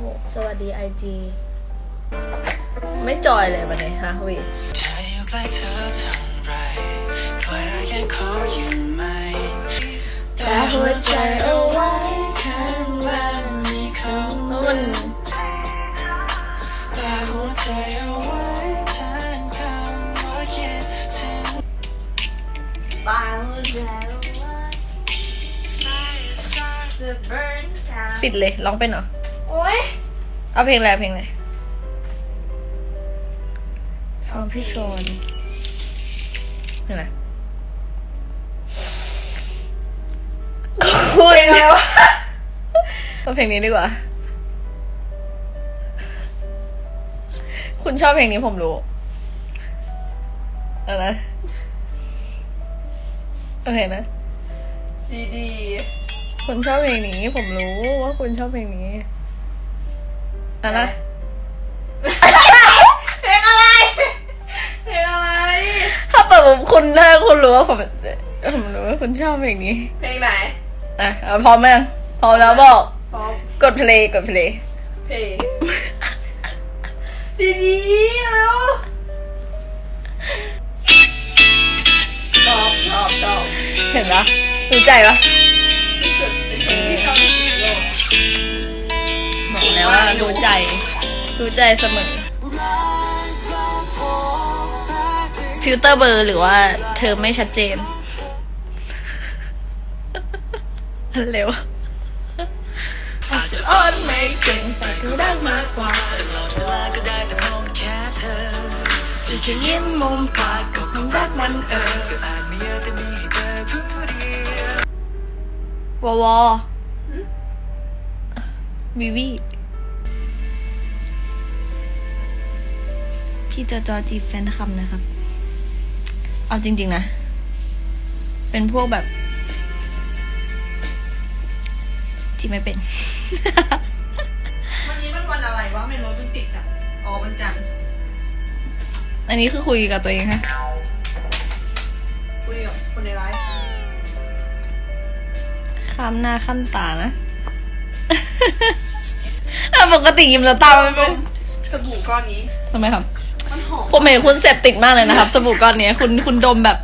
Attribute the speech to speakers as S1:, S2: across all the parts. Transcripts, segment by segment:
S1: สวัสดี IG ไม่จอยเลยวันนี้ฮะวีแต่หัวใจเอาไว้ข้างล่างมีคำเพราะมันแต่หัวใจเอาไว้ข้างคำว่าคิดถึงบางหัวใจปิดเลยร้องเป็นเหรอโอ๊ยเอาเพลงอะไรเพลงอะไรฟังพี่ชนเพลงอะไรคุยแล้วเอาเพลงนี้ดีกว่าคุณชอบเพลงนี้ผมรู้อะไรโอเคนะดีๆคุณชอบเพลงนี้ผมรู้ว่าคุณชอบเพลงนี้อะไรเพลงอะไรเพลงอะไรถ้าเปิดคุณถ้าคุณรู้ว่าผมรู้ว่าคุณชอบเพลงนี้เพลงไหนอ่ะพร้อมไหมพร้อมแล้วบอกพร้อมกดเพลงเพลงดีๆแล้วตอบเห็นปะรู้ใจปะบอกแล้วว่ารู้ใจเสมอฟิลเตอร์เบอร์หรือว่าเธอไม่ชัดเจนเร็วอาจจะอ่อนไม่เก่งแต่ก็รักมากกว่าตลอดเวลาก็ได้แต่มองแค่เธอที่แค่ยิ้มมุมปากก็คงรักมันก็อาจไม่เยอะแต่มีให้เธอผู้เดียวววิพี่จอจีแฟนคลับนะครับเอาจริงๆนะเป็นพวกแบบจีไม่เป็น
S2: วันนี้มันวันอะไรวะไม่รถมันติดอ่ะอ๋อวันจันทร์
S1: อันนี้คือคุยกับตัวเองฮะ
S2: คุยกับคนในไลฟ์
S1: ข้ามหน้าข้ามตานะปกติยิ้มแล้วตาไม่เป็น
S2: สบู่ก้อนนี้
S1: ทำไมครับ
S2: มันหอม
S1: ผมเห็นคุณเสพติดมากเลยนะครับสบู่ก้อนนี้คุณดมแบบ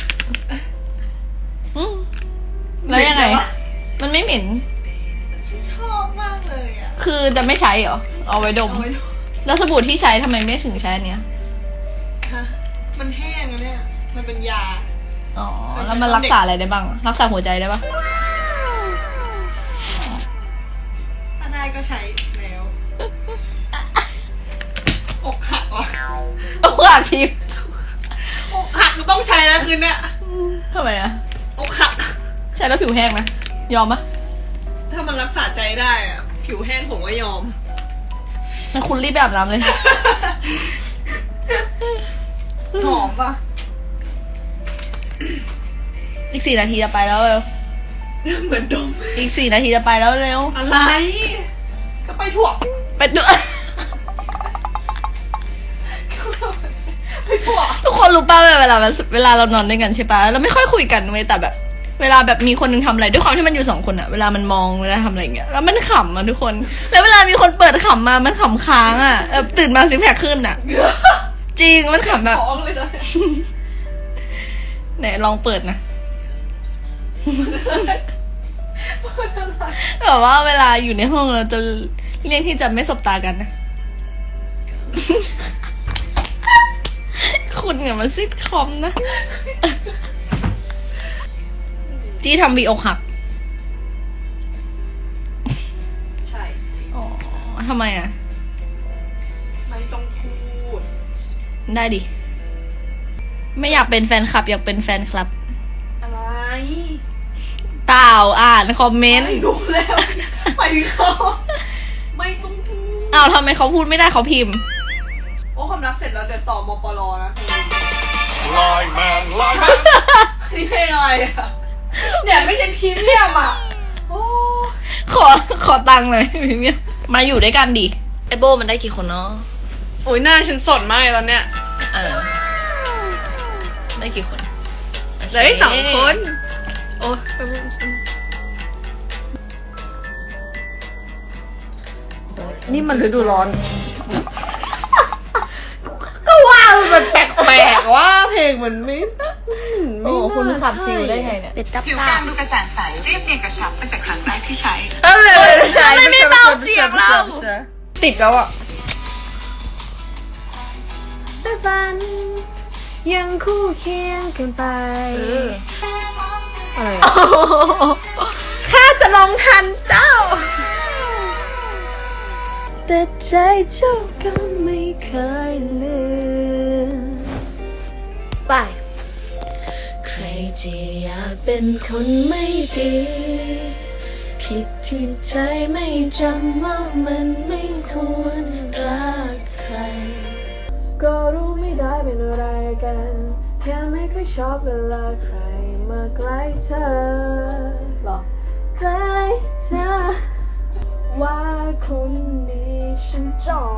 S1: แล้วยังไงมันไม่เหม็น
S2: ชอบมากเลยอ่ะ
S1: คือจะไม่ใช้เหรอเอาไว้ดมแล้วสบู่ที่ใช้ทำไมไม่ถึงใช้อันเนี้ย
S2: มันแห้งแล้วเนี่ยมันเป็นยา
S1: อ๋อแล้วมันรักษาอะไรได้บ้างรักษาหัวใจได้ปะ
S2: ถ้าได้ก็ใช้แล้วอกหักวะ
S1: อกหักทิพย์
S2: อกหักมันต้องใช้แล้วคืนเนี้ย
S1: ทำไมอะ
S2: อกหัก
S1: ใช้แล้วผิวแห้งไหมยอมปะ
S2: ถ้ามันรักษาใจได้อะผิวแห้งผมก็ยอม
S1: งั้นคุณรีบแบบน้ำเลย
S2: หอมปะ
S1: อีก4 นาทีจะไปแล้วเร็ว
S2: เหมือนดม
S1: อีก4 นาทีจะไปแล้วเร็ว
S2: อะไรก็ไปถั่ว
S1: ไปตัว
S2: ไปถั่ว
S1: ทุกคนรู้ป่ะเวลาเรานอนด้วยกันใช่ป่ะเราไม่ค่อยคุยกันเว้ยแต่แบบเวลาแบบมีคนนึงทำอะไรด้วยความที่มันอยู่2 คนอะเวลามันมองเวลาทำอะไรอย่างเงี้ยแล้วมันขำอะทุกคนแล้วเวลามีคนเปิดขำมามันขำค้างอะตื่นมาซิกแพคขึ้นอะจริงมันขำแบบไหนลองเปิดนะแบบว่าเวลาอยู่ในห้องเราจะเลี่ยงที่จะไม่สบตากันนะคุณเนี่ยมันซิทคอมนะจี้ทำวีอกหัก
S2: ใช่
S1: อ๋อทำไมอ่ะ
S2: ไม่ต้องพูด
S1: ได้ดิไม่อยากเป็นแฟนคลับอยากเป็นแฟนคลับ
S2: อะไร
S1: เปล่าอ่านคอมเมนต์
S2: ไม่รู้แล้วไปเขาไม่ต้องพูด
S1: อ้าวทำไมเขาพูดไม่ได้เขาพิมพ์
S2: โอ้ความรักเสร็จแล้วเดี๋ยวต่อมปลนะ
S3: ลอยมา
S2: นี่เพลงอะไรอ่ะเนี่ยไม่ใช่พรีเมียมอ่ะโอ้
S1: ขอตังค์หน่อยพรีเมียมมาอยู่ด้วยกันดิไอโบมันได้กี่คนเนาะ
S2: โอ้ยหน้าฉันสดมากแล้วเนี่ย
S1: ได้กี่คน
S2: ได้2 คน
S1: โอ้ย
S2: นี่มันฤดูร้อน ก็ว่ามันแปลกๆว่าเพลงมันไม่
S1: โอ้คุณขัดฟิลได้ไงเนี่ย
S2: เป็ดกับ
S4: ผิว
S2: ตา
S4: แก้มดูกระจ่างใสเรียบเนียนกระชับตั้งแต่ครั้งแรกที่ใช้
S2: ใช่
S1: ไม่เบาเสียงเรา
S2: ติดแล้วอ่ะ
S1: แต่ฝันยังคู่เคียงกันไป
S2: อะไรอะข้าจะลองทันเจ้า
S1: แต่ใจเจ้าก็ไม่เคยลืมไปใครที่อยากเป็นคนไม่ดีผิดที่ใจไม่จำว่ามันไม่ควรรักใครก็รู้ไม่ได้เป็นอะไรกันแค่ไม่ค่อยชอบเวลาใครมาใกล้เธอหรอใกล้เธอว่าคนนี้ฉันจอง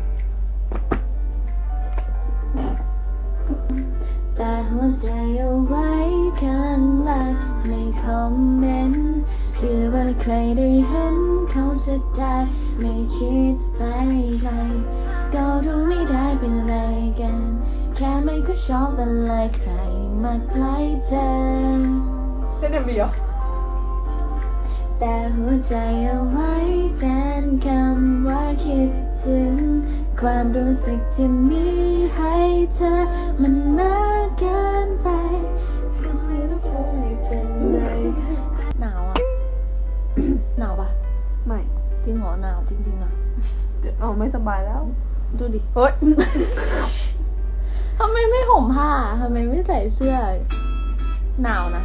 S1: แต่หัวใจเอาไว้ข้างล่างในคอมเมนต์เพื่อว่าใครได้เห็นเขาจะได้ไม่คิดไปไกลก็รู้ไม่ได้เป็นอะไรกันแค่ไม่ค่อยชอบเวลาใครมาใกล้เธอ
S2: เล่นMVเหรอ
S1: แต่หัวใจเอาไว้แทนคำว่าคิดถึงความรู้สึกที่มีให้เธอมันมากเกินไปก็ไม่รู้คงไม่เป็นไรหนาวอ่ะ หนาวปะ
S2: ไม่
S1: จริงเหรอหนาวจริงๆอ่ะ
S2: เอาไม่สบายแล้ว
S1: ดูดิ
S2: เฮ้ย
S1: ทำไมไม่ห่มผ้าทำไมไม่ใส่เสื้อหนาวนะ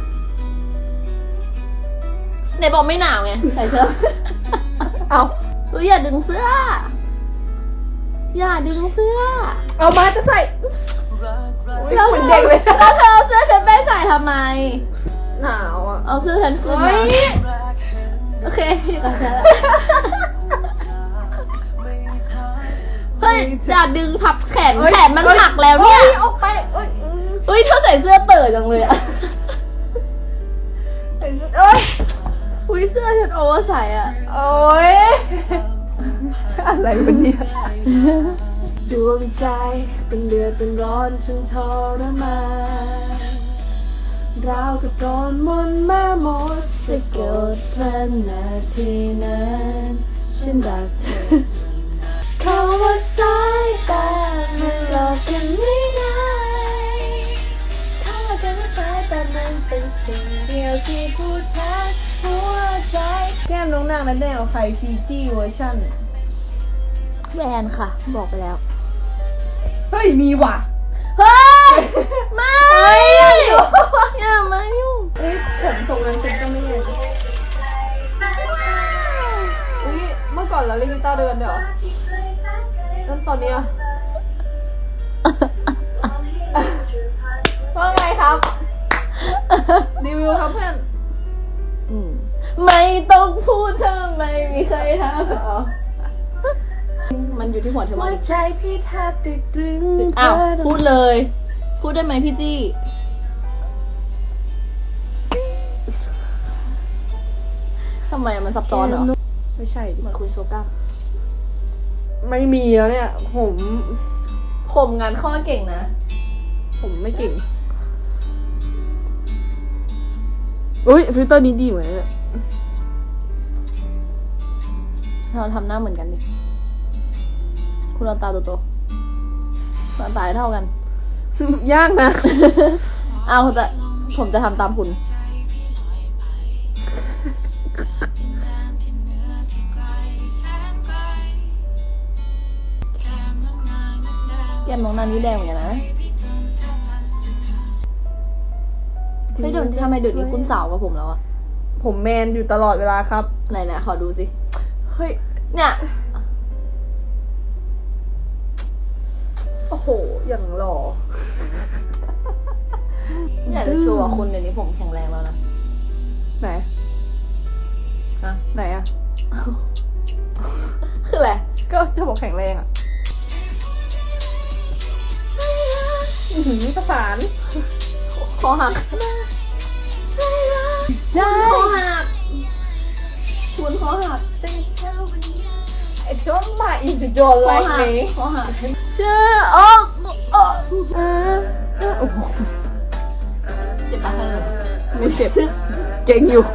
S1: ไหนบอกไม่หนาวไงใส่เสื้อ
S2: เอา
S1: อย่าดึงเสื้อ อย่าดึงเสื้อ
S2: เอามาจะใส่อุ๊ยเหมือนเด็กเลย
S1: แล้วเธอเอาเสื้อฉันไปใส่ทำไม
S2: หนาวอ่ะ
S1: เอาเสื้อฉันขึ้น
S2: เฮ้
S1: มาย โอเคอยู่กับฉันละเฮ้ยอย่าดึงพับแขนแขนมันหักแล้วเนี่ย
S2: ฮ้ออกไปเอ้ย
S1: เฮ้ยเธอใส่เสื้อเต๋อจังเลยอะ
S2: เอ้ย
S1: อุ้ยเสื้อฉันโอเวอร์ไซส์อะ
S2: โอ้ยอะไรวะเนี่ย
S1: ดวงใจเป็นเดือดเป็นร้อนฉันทรมานราวกับโดนมนต์แม่มดสะกดพลันนาทีนั้นฉันรักเธอเขาว่าสายตามันหลอกกันไม่ได้เขาว่าจะไม่สายตามันเป็นสิ่งเดียวที่พูดแทนหัวใจ
S2: แก้มน้องนางนั้นได้เอาใครฟีจี้เวอร์ชั่น
S1: แบรนด์ค่ะ บอกไปแล้ว
S2: เฮ้ย มีว่ะ
S1: เฮ้ย ไม่อย่ามายุ่ง
S2: เอ้ยผมทรงนั้นฉันก็ไม่เห็นอุ้ยเมื่อก่อนเราเล่นกีตาร์ด้วยกันเดี๋ยวแล้วตอนเนี้ยว่าไงครับ รีวิวครับเพื่อน
S1: ไม่ต้องพูดเธอไม่มีใครทำมันอยู่ที่หัวเธอมาดิ
S2: ใจพี่แทบติดตรึง
S1: อ้าว พูดเลย พูดได้ไหมพี่จี้ทำไมมันซับซ้อนเหรอ
S2: ไม่ใช่ดิ
S1: เหมือนคุณโซก้า
S2: ไม่มีแล้วเนี่ย
S1: ข่มงานข้อเก่งนะ
S2: ผมไม่เก่ง อุ้ยฟิลเตอร์นี้ดีเหมือนเนี่ย
S1: เราทำหน้าเหมือนกันดิ คุณเอาตาโตๆตาตายเท่ากัน
S2: ยากนะ
S1: เอาแต่ผมจะทำตามคุณ แก้มน้องนันนี่แดงเหมือนกันนะเฮ้ยเดี๋ยวทำไมเดี๋ยวนี้คุณสาวกับผมแล้วอะ
S2: ผมแมนอยู่ตลอดเวลาครับ
S1: ไหนๆขอดูสิ
S2: เฮ้ย
S1: เนี่ย
S2: โอ้โห อย่างหล่อ
S1: อยากจะโชว์ว่าคุณเดี๋ยวนี้ผมแข็งแรงแล้วนะ
S2: ไหน
S1: ฮะ
S2: ไหนอะ
S1: คืออะไร
S2: ก็ถ้าบอกแข็งแรงอะประสาน
S1: คอหักคอหักคุณคอหัก
S2: ไอ้โจน if you don't like me
S1: เชื่อโอ้โอ้โอ้โห
S2: เจ็บปะเธอ
S1: ไม่เจ็บ เก่งอยู่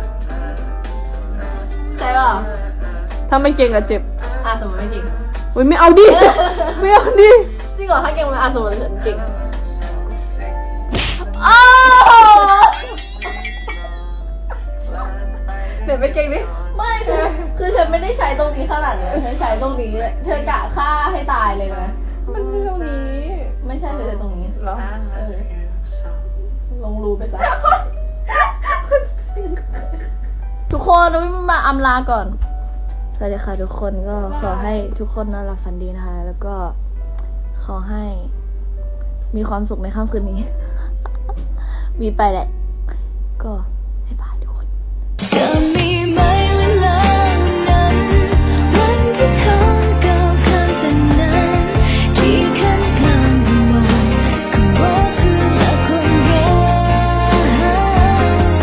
S2: ใช่ป่ะ
S1: ถ้าไม่เก่งอะเจ็บ
S2: สมมติไม่เก่ง
S1: อุ้ยไม่เอาดิ ไม่เอาดิ
S2: จริงเหรอถ้าเก่งมันสมมติฉันเก่ง
S1: เดี๋ยวไปเก่งดิ
S2: ไม่คือฉันไม่ได้ใช้ตรงนี้ขนาดนี้ฉันใช้ตรงนี้เลยเธอกะฆ่าให้ตายเลยนะ
S1: มันไม่ตรงนี้
S2: ไม่ใช่เธอใช้ตรงนี้
S1: เหรอ
S2: ลงรูไปซะทุกคนเรามาอำลาก่อน
S1: สวัสดีค่ะทุกคนก็ขอให้ทุกคนนอนหลับฝันดีนะคะ แล้วก็ขอให้มีความสุขในค่ำคืนนี้ มีไปแหละ ก็